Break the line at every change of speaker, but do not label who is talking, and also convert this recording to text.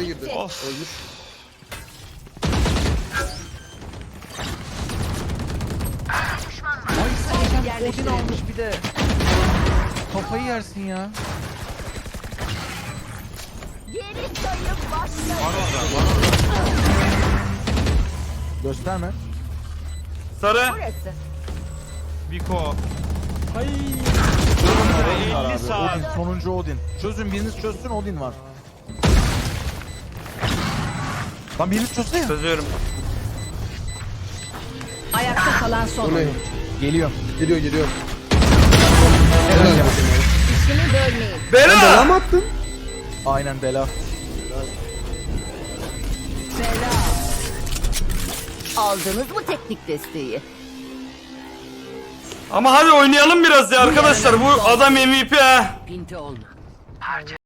girdi.
Of.
Ölmüş.
Ay sen Odin almış bir de. Kafayı yersin ya.
Geri sayım başladı.
Var orada.
Gösterme.
Sarı.
Burası.
Biko.
Odin var
50
abi.
saat.
Odin, sonuncu Odin. Çözün, biriniz çözsün, Odin var. Lan biriniz çözsün ya.
Çözüyorum.
Ayakta kalan son
O ne?
oyun.
Geliyor.
Geliyor geliyor.
Helal ya.
İşini bölmeyin.
Bela
Bela.
mı attın?
Aynen bela.
Bela. Aldınız mı teknik desteği?
Ama hadi oynayalım biraz ya arkadaşlar. Bu adam MVP ha.
Pinti olma.